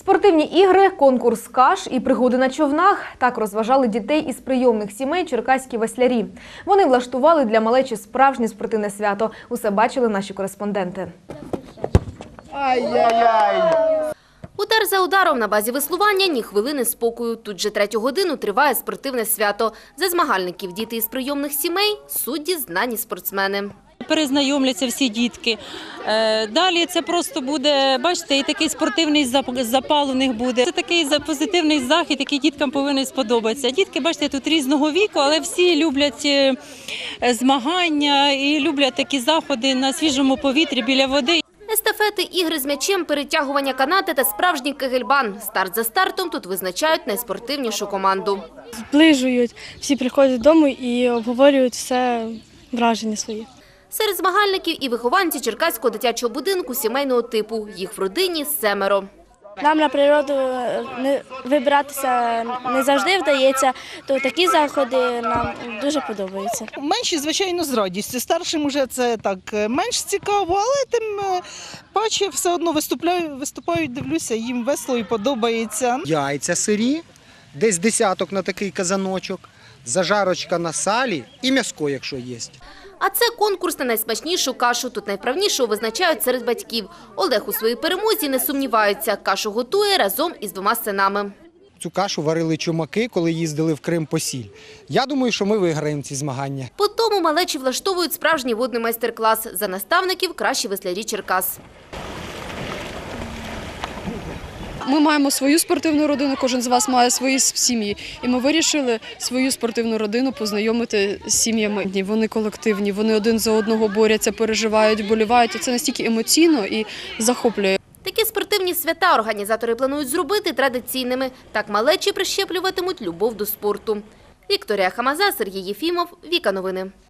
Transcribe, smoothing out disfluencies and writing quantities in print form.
Спортивні ігри, конкурс каш і пригоди на човнах – так розважали дітей із прийомних сімей черкаські веслярі. Вони влаштували для малечі справжнє спортивне свято. Усе бачили наші кореспонденти. Удар за ударом на базі веслування – ні хвилини спокою. Тут же 3-ю годину триває спортивне свято. За змагальників діти із прийомних сімей – судді знані спортсмени. Перезнайомляться всі дітки. Далі це просто буде, бачите, і такий спортивний запал у них буде. Це такий позитивний захід, який діткам повинен сподобатися. Дітки, бачите, тут різного віку, але всі люблять змагання і люблять такі заходи на свіжому повітрі біля води. Естафети, ігри з м'ячем, перетягування канати та справжній кегельбан. Старт за стартом тут визначають найспортивнішу команду. Зближують, всі приходять додому і обговорюють все враження свої. Серед змагальників і вихованці Черкаського дитячого будинку сімейного типу. Їх в родині 7. Нам на природу вибиратися не завжди вдається, то такі заходи нам дуже подобаються. Менші, звичайно, з радістю. Старшим вже це так менш цікаво, але тим паче все одно виступають, дивлюся, їм весело і подобається. Яйця сирі, десь десяток на такий казаночок, зажарочка на салі і м'яско, якщо є. А це конкурс на найсмачнішу кашу. Тут найправнішого визначають серед батьків. Олег у своїй перемозі не сумнівається. Кашу готує разом із 2 синами. Цю кашу варили чумаки, коли їздили в Крим по сіль. Я думаю, що ми виграємо ці змагання. По тому малечі влаштовують справжній водний майстер-клас. За наставників кращі веслярі Черкас. Ми маємо свою спортивну родину, кожен з вас має свої сім'ї. І ми вирішили свою спортивну родину познайомити з сім'ями. Вони колективні, вони один за одного борються, переживають, вболівають. І це настільки емоційно і захоплює. Такі спортивні свята організатори планують зробити традиційними. Так малечі прищеплюватимуть любов до спорту. Вікторія Хамаза, Сергій Єфімов, Віка Новини.